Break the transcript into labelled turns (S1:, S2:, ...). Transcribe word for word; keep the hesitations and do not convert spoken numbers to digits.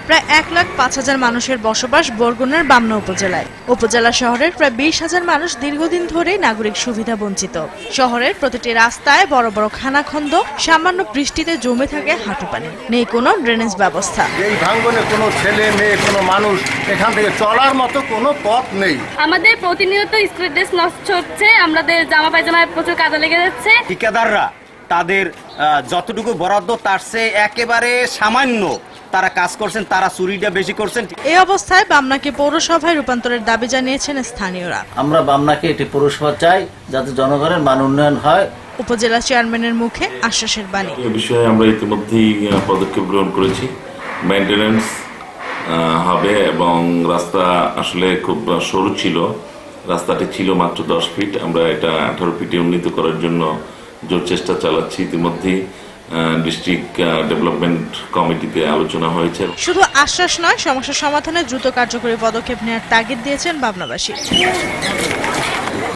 S1: প্রায় এক লাখ পাঁচ হাজার মানুষের বসবাস বরগুনার বামনা উপজেলায়। উপজেলা শহরের প্রায় বিশ হাজার মানুষ দীর্ঘদিন ধরেই নাগরিক সুবিধা বঞ্চিত। শহরের প্রতিটি রাস্তায় বড় বড় খানাখন্দ, সামান্য বৃষ্টিতে জমে থাকে হাঁটু পানি, নেই কোনো ড্রেনেজ ব্যবস্থা।
S2: এই ভাঙ্গনে কোনো ছেলে মেয়ে কোনো মানুষ এখান থেকে চলার মতো কোনো পথ নেই।
S3: আমাদের প্রতিনিয়ত স্ট্রিট ড্রেস নষ্ট হচ্ছে, আমাদের জামা পায়জামায় প্রচুর কাদা লেগে যাচ্ছে।
S4: ঠিকাদাররা তাদের যতটুকু বরাদ্দ তার চেয়ে একেবারে সামান্য তারা কাজ করছেন, তারা চুরিটা বেশি করছেন।
S1: এই অবস্থায় বামনাকে পৌরসভায় রূপান্তরের দাবি জানিয়েছেন স্থানীয়রা।
S5: আমরা বামনাকে একটি পৌরসভা চাই যাতে জনগণের মান উন্নয়ন হয়।
S1: উপজেলা চেয়ারম্যানের মুখে আশ্বাসের বাণী।
S6: এই বিষয়ে আমরা ইতিমধ্যেই পদক্ষেপ গ্রহণ করেছি। মেইনটেনেন্স হবে এবং রাস্তা আসলে খুব সরু ছিল, রাস্তাটি ছিল মাত্র দশ ফিট, আমরা এটা আঠারো ফিটে উন্নীত করার জন্য জোর চেষ্টা চালাচ্ছি। ইতিমধ্যেই ডিস্ট্রিক্ট ডেভেলপমেন্ট কমিটিতে আলোচনা হয়েছে।
S1: শুধু আশ্বাস নয়, সমস্যা সমাধানে দ্রুত কার্যকরী পদক্ষেপ নেওয়ার তাগিদ দিয়েছেন বামনাবাসী।